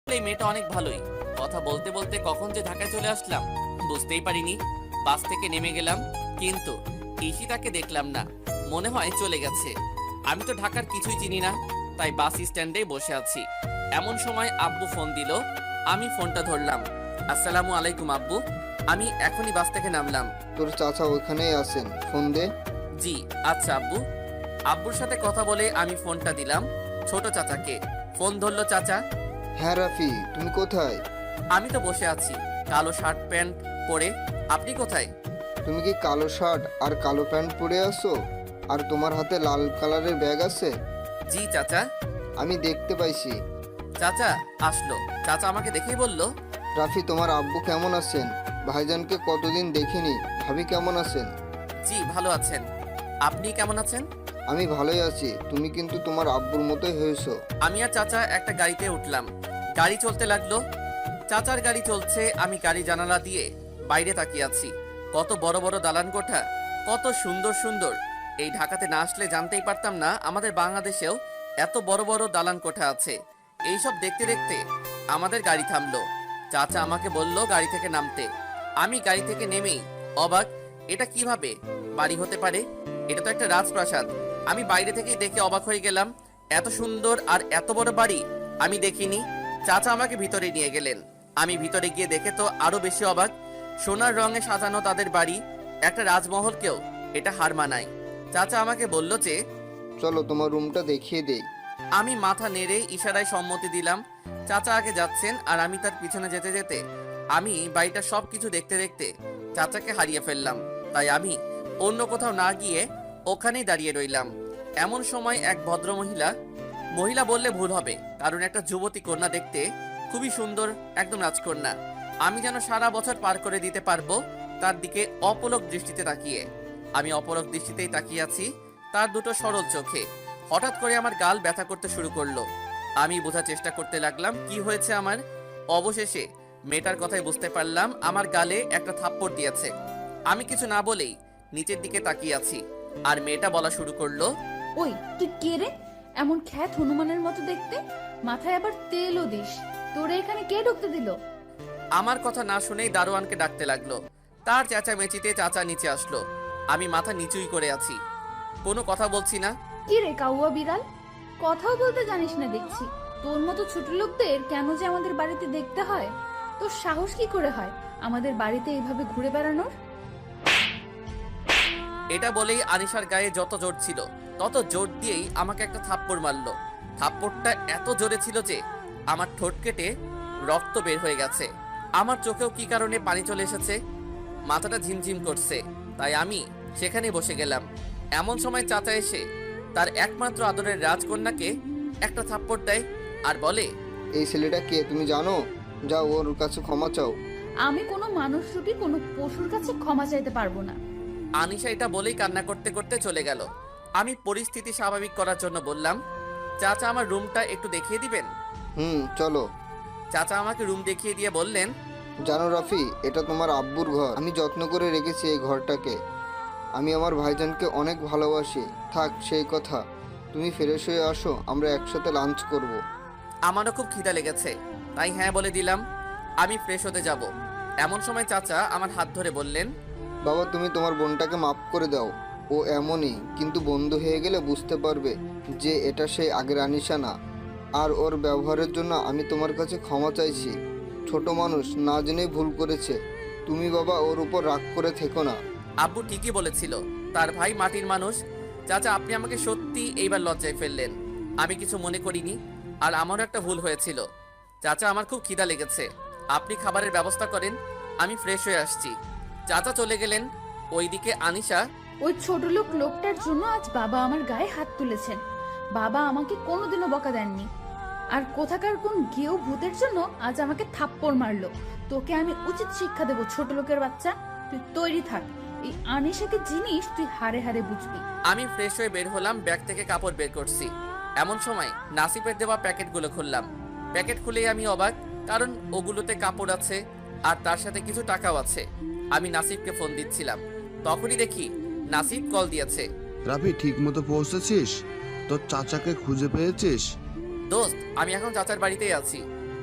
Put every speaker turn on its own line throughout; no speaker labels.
এই মেয়েটা অনেক ভালোই। কথা বলতে বলতে কখন যে ঢাকায় চলে আসলাম বুঝতেই পারিনি। বাস থেকে নেমে গেলাম, কিন্তু ঈশিতাকে দেখলাম না। মনে হয় চলে গেছে। আমি তো ঢাকার কিছুই চিনি না, তাই বাস স্ট্যান্ডে বসে আছি। এমন সময় আব্বু ফোন দিল। আমি ফোনটা ধরলাম। আসসালামু আলাইকুম আব্বু, আমি এখনই বাস থেকে নামলাম।
তোর চাচা ওইখানেই আছেন, ফোন দে।
জি আচ্ছা আব্বু। আব্বুর সাথে কথা বলে আমি ফোনটা দিলাম ছোট চাচাকে। ফোন ধরলো চাচা।
হ্যাঁ রাফি, তুমি কোথায়?
আমি তো বসে আছি, কালো শার্ট প্যান্ট পরে। আপনি কোথায়?
তুমি কি কালো শার্ট আর কালো প্যান্ট পরে আছো? আর তোমার হাতে লাল কালারের ব্যাগ আছে?
জি চাচা।
আমি দেখতে পাইছি।
চাচা আসলো। চাচা আমাকে দেখেই বলল,
রাফি, তোমার আব্বু কেমন আছেন? ভাইজানকে কতদিন দেখিনি, ভাবি কেমন আছেন?
জি ভালো আছেন। আপনি কেমন আছেন?
আমি ভালোই আছি। তুমি কিন্তু তোমার আব্বুর মতোই হয়েছো।
আমি আর চাচা একটা গাড়িতে উঠলাম। গাড়ি চলতে লাগলো। চাচার গাড়ি চলছে, আমি গাড়ি জানালা দিয়ে বাইরে তাকিয়ে আছি। কত বড় বড় দালান কোঠা, কত সুন্দর সুন্দর। এই ঢাকাতে না আসলে জানতেই পারতাম না আমাদের বাংলাদেশেও এত বড় বড় দালান কোঠা আছে। এইসব দেখতে দেখতে আমাদের গাড়ি থামলো। চাচা আমাকে বলল গাড়ি থেকে নামতে। আমি গাড়ি থেকে নেমেই অবাক, এটা কিভাবে বাড়ি হতে পারে? এটা তো একটা রাজপ্রাসাদ। আমি বাইরে থেকেই দেখে অবাক হয়ে গেলাম। এত সুন্দর আর এত বড় বাড়ি আমি দেখিনি। চাচা আমাকে ভিতরে নিয়ে গেলেন। আমি ভিতরে গিয়ে দেখে তো আরো বেশি অবাক। সোনার রঙে সাজানো তাদের বাড়ি, একটা রাজমহলকেও এটা হার মানায়। চাচা আমাকে বলল যে,
চলো তোমার রুমটা দেখিয়ে দেই।
আমি মাথা নেড়ে ইশারায় সম্মতি দিলাম। চাচা আগে যাচ্ছেন আর আমি তার পিছনে যেতে যেতে আমি বাড়িটা সবকিছু দেখতে দেখতে চাচাকে হারিয়ে ফেললাম। তাই আমি অন্য কোথাও না গিয়ে ওখানেই দাঁড়িয়ে রইলাম। এমন সময় এক ভদ্র মহিলা বললে ভুল হবে, কারণ একটা যুবতী কন্যা দেখতে খুবই সুন্দর, একদম রাজকন্যা। আমি যেন সারা বছর পার করে দিতে পারবো তার দিকে অপলক দৃষ্টিতে তাকিয়ে। আমি অপলক দৃষ্টিতেই তাকিয়ে আছি তার দুটো সরল চোখে। হঠাৎ করে আমার গাল ব্যথা করতে শুরু করলো। আমি বোঝার চেষ্টা করতে লাগলাম কি হয়েছে আমার। অবশেষে মেয়েটার কথাই বুঝতে পারলাম আমার গালে একটা থাপ্পড় দিয়েছে। আমি কিছু না বলেই নিচের দিকে তাকিয়ে আছি, আর মেয়েটা বলা শুরু করলো,
ওই তুই কে রে? এমন খ্যাত হনুমানের মতো দেখতে, মাথায় আবার তেলও দিস। তোরে এখানে কে ঢুকতে দিল?
আমার কথা না শুনেই দারোয়ানকে ডাকতে লাগলো। তার চেঁচামেচিতে চাচা নিচে আসলো। আমি মাথা নিচুই করে আছি, কোনো কথা বলছি না।
কি রে কাউয়া বিড়াল, কথাও বলতে জানিস না দেখছি। তোর মতো ছোট লোকদের কেন যে আমাদের বাড়িতে দেখতে হয়? তোর সাহস কি করে হয় আমাদের বাড়িতে এইভাবে ঘুরে বেড়ানোর?
এটা বলেই আনিশার গায়ে যত জোর ছিল তত জোর দিয়েই আমাকে একটা থাপ্পড় মারলো। থাপ্পড়টা এত জোরে ছিল যে আমার ঠোঁট কেটে রক্ত বের হয়ে গেছে। আমার চোখেও কি কারণে পানি চলে এসেছে, মাথাটা ঝিমঝিম করছে। তাই আমি সেখানে বসে গেলাম। এমন সময় চাচা এসে তার একমাত্র আদরের রাজকন্যাকে একটা থাপ্পড় দেয় আর বলে,
এই ছেলেটা কে তুমি জানো? যাও ওর কাছে ক্ষমা চাও।
আমি কোনো মানুষ রূপী কোনো পশুর কাছে ক্ষমা চাইতে পারবো না।
আনিশা এটা বলেই কান্না করতে করতে চলে গেল। আমি পরিস্থিতি স্বাভাবিক করার জন্য বললাম, চাচা আমার রুমটা একটু দেখিয়ে দিবেন।
চলো।
চাচা আমাকে রুম দেখিয়ে দিয়ে বললেন,
জানো রাফি, এটা তোমার আব্বুর ঘর। আমি যত্ন করে রেখেছি এই ঘরটাকে। আমি আমার ভাইজানকে অনেক ভালোবাসি। থাক সেই কথা, তুমি ফ্রেশ হয়ে আসো, আমরা একসাথে লাঞ্চ করব।
আমারও খুব খিদা লেগেছে, তাই হ্যাঁ বলে দিলাম। আমি ফ্রেশ হতে যাব। এমন সময় চাচা আমার হাত ধরে বললেন,
বাবা, তুমি তোমার বোনটাকে মাফ করে দাও। ও এমনই, কিন্তু বন্ধু হয়ে গেলে বুঝতে পারবে যে এটা সেই আগের আনিশা না। আর ওর ব্যবহারের জন্য আমি তোমার কাছে ক্ষমা চাইছি। ছোট মানুষ, না জেনেই ভুল করেছে। তুমি বাবা ওর উপর রাগ করে থেকো না।
আব্বু ঠিকই বলেছিল, তার ভাই মাটির মানুষ। চাচা আপনি আমাকে সত্যি এইবার লজ্জায় ফেললেন। আমি কিছু মনে করিনি, আর আমারও একটা ভুল হয়েছিল। চাচা আমার খুব খিদা লেগেছে, আপনি খাবারের ব্যবস্থা করেন, আমি ফ্রেশ হয়ে আসছি। চাচা চলে গেলেন। ওইদিকে আনিশা,
ওই ছোট লোকটার জন্য আজ বাবা আমার গায়ে হাত তুলেছেন। বাবা আমাকে কোনোদিনও বকা দেননি। আর কোথাকার কোন গেও ভূতের জন্য আজ আমাকে থাপ্পড় মারলো। তোকে আমি উচিত শিক্ষা দেবো, ছোট লোকের বাচ্চা। তুই তৈরি থাক, এই আনিশাকে জিনিস তুই হারে হারে বুঝবি।
আমি ফ্রেশ হয়ে বের হলাম, ব্যাগ থেকে কাপড় বের করছি। এমন সময় নাসিফের দেওয়া প্যাকেটগুলো খুললাম। প্যাকেট খুলেই আমি অবাক, কারণ ওগুলোতে কাপড় আছে আর তার সাথে কিছু টাকাও আছে। আমি নাসিফকে ফোন দিচ্ছিলাম, তখনই দেখি নাসিফ কল দিয়েছে।
রাফি, ঠিক মতো পৌঁছেছিস? তোর চাচাকে খুঁজে পেয়েছিস?
দোস্ত, আমি এখন চাচার বাড়িতেই আছি।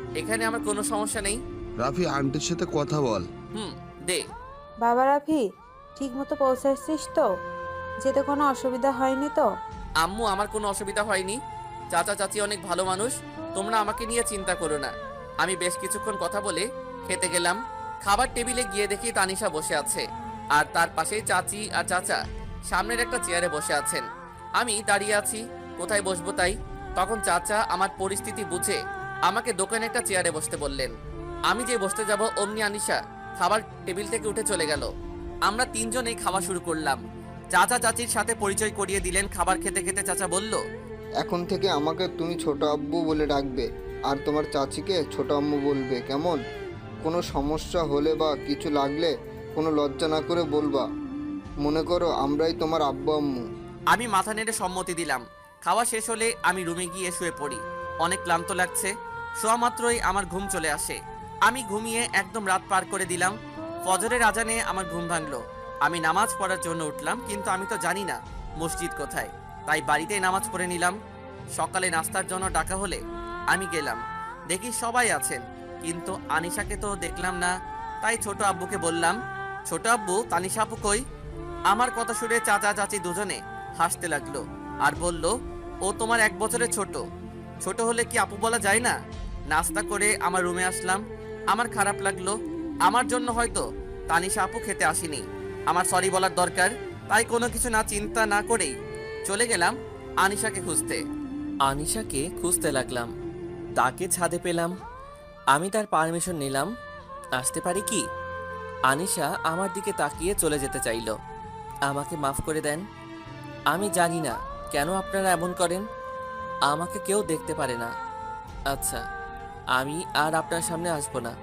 এখানে আমার কোনো সমস্যা নেই।
রাফি আন্টির সাথে কথা বল।
দে।
বাবা রাফি, ঠিক মতো পৌঁছাচ্ছিস তো? যেতে কোনো অসুবিধা হয়নি তো?
আম্মু, আমার কোনো অসুবিধা হয়নি। চাচা চাচি অনেক ভালো মানুষ, তোমরা আমাকে নিয়ে চিন্তা করো না। আমি বেশ কিছুক্ষণ কথা বলে খেতে গেলাম। খাবার টেবিলে গিয়ে দেখি তানিশা বসে আছে, আর তার পাশেই চাচি আর চাচা সামনের একটা চেয়ারে বসে আছেন। আমি দাঁড়িয়ে আছি, কোথায় বসবো তাই। তখন চাচা আমার পরিস্থিতি বুঝে আমাকে দোকানে একটা চেয়ারে বসতে বললেন। আমি যে বসতে যাব অমনি আনিশা খাবার টেবিল থেকে উঠে চলে গেল। আমরা তিনজনেই খাওয়া শুরু করলাম। চাচা চাচির সাথে পরিচয় করিয়ে দিলেন। খাবার খেতে খেতে চাচা বলল,
এখন থেকে আমাকে তুমি ছোট আব্বু বলে ডাকবে, আর তোমার চাচিকে ছোট আম্মু বলবে, কেমন? কোনো সমস্যা হলে বা কিছু লাগলে কোনো লজ্জা না করে বলবা। মনে করো আমরাই তোমার আব্বু আম্মু।
আমি মাথা নেড়ে সম্মতি দিলাম। খাওয়া শেষ হলে আমি রুমে গিয়ে শুয়ে পড়ি। অনেক ক্লান্ত লাগছে। শোয়া মাত্রই আমার ঘুম চলে আসে। আমি ঘুমিয়ে একদম রাত পার করে দিলাম। ফজরের আজানে আমার ঘুম ভাঙলো। আমি নামাজ পড়ার জন্য উঠলাম, কিন্তু আমি তো জানি না মসজিদ কোথায়, তাই বাড়িতেই নামাজ পড়ে নিলাম। সকালে নাস্তার জন্য ডাকা হলে আমি গেলাম। দেখি সবাই আছেন, কিন্তু আনিশাকে তো দেখলাম না। তাই ছোট আব্বুকে বললাম, ছোট আব্বু, তানিশা আপু কই? আমার কথা শুনে চাচা চাচি দুজনে হাসতে লাগলো আর বলল, ও তোমার 1 বছরের ছোট। ছোট হলে কি আপু বলা যায় না? নাস্তা করে আমার রুমে আসলাম। আমার খারাপ লাগলো। আমার জন্য হয়তো তানিশা আপু খেতে আসেনি। আমার সরি বলার দরকার, তাই কোনো কিছু না চিন্তা না করেই চলে গেলাম আনিশাকে খুঁজতে। আনিশাকে খুঁজতে লাগলাম। তাকে ছাদে পেলাম। আমি তার পারমিশন নিলাম, আসতে পারি কি? আনিশা আমার দিকে তাকিয়ে চলে যেতে চাইল। আমাকে মাফ করে দেন। আমি জানি না কেন আপনারা এমন করেন। আমাকে কেউ দেখতে পারে না। আচ্ছা, আমি আর আপনার সামনে আসবো না।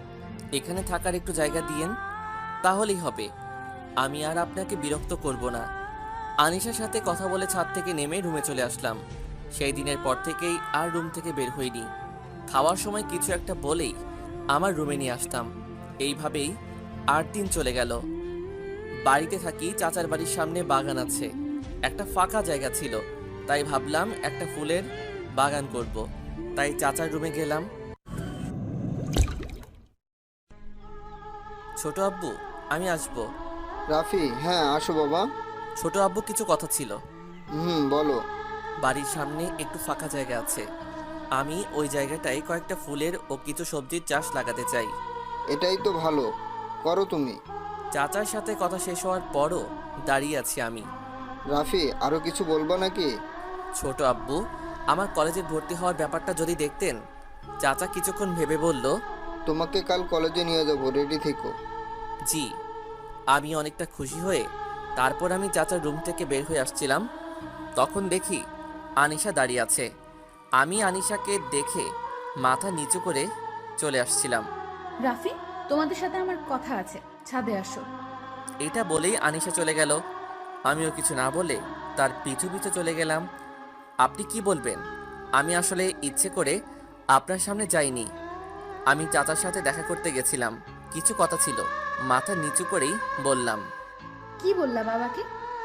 এখানে থাকার একটু জায়গা দিয়েন, তাহলেই হবে। আমি আর আপনাকে বিরক্ত করব না। আনিশার সাথে কথা বলে ছাদ থেকে নেমে রুমে চলে আসলাম। সেই দিনের পর থেকেই আর রুম থেকে বের হইনি। খাওয়ার সময় কিছু একটা বলেই আমার রুমে নিয়ে আসতাম। এইভাবেই 8 দিন চলে গেল। বাড়িতে থাকি, চাচার বাড়ির সামনে বাগান আছে। একটা ফাঁকা জায়গা ছিল, তাই ভাবলাম একটা ফুলের বাগান করব। তাই চাচার রুমে গেলাম। ছোট আব্বু, আমি আসবো।
রাফি, হ্যাঁ আসো বাবা।
ছোট আব্বু, কিছু কথা ছিল।
বলো।
বাড়ির সামনে একটু ফাঁকা জায়গা আছে। আমি ওই জায়গাটায় কয়েকটা ফুলের ও কিছু সবজির চাষ লাগাতে চাই।
এটাই তো ভালো, করো তুমি।
চাচার সাথে কথা শেষ হওয়ার পরও দাঁড়িয়ে আছি আমি।
রাফি, আরো কিছু বলবা নাকি?
ছোট আব্বু, আমার কলেজে ভর্তি হওয়ার ব্যাপারটা যদি দেখতেন। চাচা কিছুক্ষণ ভেবে বলল,
তোমাকে কাল কলেজে নিয়ে যাবো, রেডি থেকো।
জি। আমি অনেকটা খুশি হয়ে তারপর আমি চাচার রুম থেকে বের হয়ে আসছিলাম, তখন দেখি আনিশা দাঁড়িয়ে আছে। আমি আনিশাকে দেখে মাথা নিচু করে চলে আসছিলাম।
রাফি, তোমাদের সাথে আমার কথা আছে, ছাদে আসো।
এটা বলেই আনিশা চলে গেল। আমিও কিছু না বলে তার পিছু পিছু চলে গেলাম। আপনি কি বলবেন? আমি আসলে ইচ্ছে করে আপনার সামনে যাইনি। আমি চাচার সাথে দেখা করতে গেছিলাম, কিছু কথা ছিল। মাথা নিচু করেই বললাম,
কি বললা বাবাকে?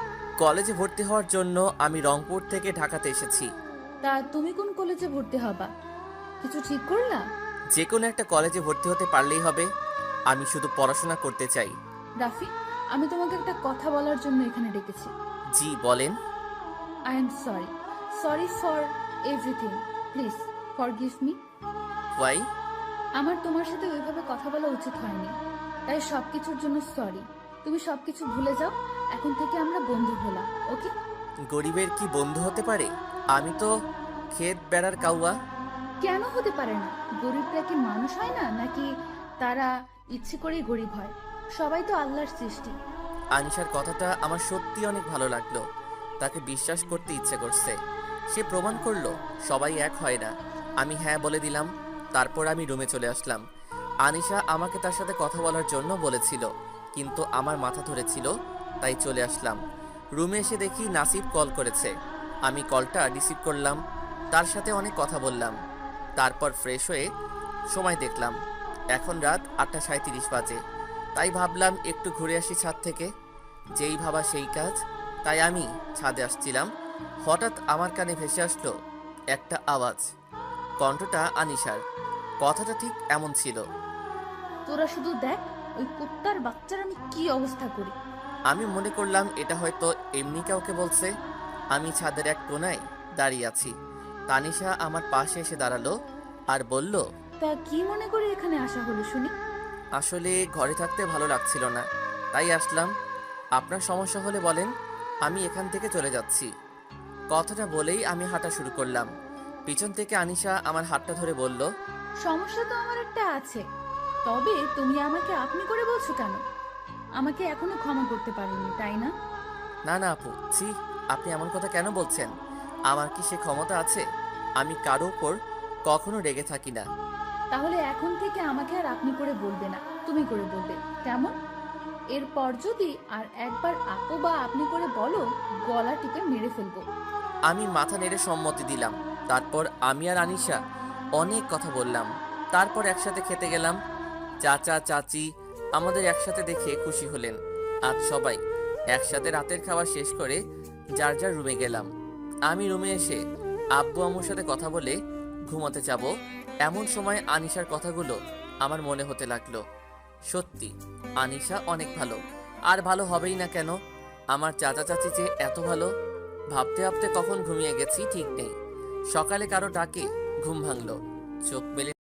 কলেজে ভর্তি হওয়ার জন্য আমি রংপুর থেকে ঢাকাতে এসেছি।
তা তুমি কোন কলেজে ভর্তি হবা? কিছু ঠিক করলা?
যে কোনো একটা কলেজে ভর্তি হতে পারলেই হবে। আমি শুধু পড়াশোনা করতে চাই।
রাফি, আমি তোমাকে একটা কথা বলার জন্য এখানে ডেকেছি।
জি বলেন।
I am sorry, sorry for everything. Please forgive me.
Why?
আমার তোমার সাথে ওইভাবে কথা বলা উচিত হয়নি, তাই সবকিছুর জন্য সরি। তুমি সবকিছু ভুলে যাও, এখন থেকে আমরা বন্ধু হলাম, ওকে?
গরিবের কি বন্ধু হতে পারে? আমি তো ক্ষেত বেড়ার কাউয়া।
কেন হতে পারে না? গরিবরা কি মানুষ হয় না, নাকি তারা ইচ্ছে করেই গরিব হয়? সবাই তো আল্লাহর সৃষ্টি।
আনিশার কথাটা আমার সত্যি অনেক ভালো লাগলো। তাকে বিশ্বাস করতে ইচ্ছে করছে। সে প্রমাণ করলো সবাই এক হয় না। আমি হ্যাঁ বলে দিলাম। তারপর আমি রুমে চলে আসলাম। আনিশা আমাকে তার সাথে কথা বলার জন্য বলেছিল, কিন্তু আমার মাথা ধরেছিল, তাই চলে আসলাম। রুমে এসে দেখি নাসিব কল করেছে। আমি কলটা রিসিভ করলাম, তার সাথে অনেক কথা বললাম। তারপর ফ্রেশ হয়ে সময় দেখলাম, এখন রাত 8:37 বাজে। তাই ভাবলাম একটু ঘুরে আসি ছাদ থেকে। যেই ভাবা সেই কাজ, তাই আমি ছাদে আসছিলাম। হঠাৎ আমার কানে ভেসে আসলো একটা আওয়াজ। কণ্ঠটা আনিশার। কথাটা ঠিক এমন ছিল।
তোরা শুধু দেখ ওই কুত্তার বাচ্চার আমি কি অবস্থা করি।
আমি মনে করলাম এটা হয়তো এমনি কাউকে বলছে। আমি ছাদের এক কোণায় দাঁড়িয়ে আছি। তানিশা আমার পাশে এসে দাঁড়ালো আর বলল,
তা কি মনে করে এখানে আসা হলো শুনি?
আসলে ঘরে থাকতে ভালো লাগছিল না, তাই আসলাম। আপনার সমস্যা হলে বলেন, আমি এখান থেকে চলে যাচ্ছি। কথাটা বলেই আমি হাঁটা শুরু করলাম। পিছন থেকে আনিশা আমার হাতটা ধরে বলল,
সমস্যা তো আমার একটা আছে, তবে তুমি আমাকে আপনি করে বলছো কেন? আমাকে এখনো ক্ষমা করতে পারোনি তাই না?
না না আপু, ছি, আপনি এমন কথা কেন বলছেন? আমার কি সে ক্ষমতা আছে? আমি কারো উপর কখনো রেগে থাকি না।
তাহলে এখন থেকে আমাকে আর আপনি করে বলবে না, তুমি করে বলবে, কেমন? এরপর যদি আর একবার আপু বা আপনি করে বলো, গলা টিপে মেরে ফেলবো।
আমি মাথা নেড়ে সম্মতি দিলাম। তারপর আমি আর আনিশা অনেক কথা বললাম। তারপর একসাথে খেতে গেলাম। চাচা চাচি আমাদের একসাথে দেখে খুশি হলেন। আজ সবাই একসাথে রাতের খাবার শেষ করে যার যার রুমে গেলাম। আমি রুমে এসে আব্বু আম্মুর সাথে কথা বলে ঘুমাতে যাব এমন সময় আনিশার কথাগুলো আমার মনে হতে লাগলো। সত্যি আনিশা অনেক ভালো, আর ভালো হবেই না কেন? আমার চাচা চাচি যে এত ভালো, ভাবতে ভাবতে কখন ঘুমিয়ে গেছি ঠিক নেই। সকালে কারো ডাকে ঘুম ভাঙলো। চোখ মেলে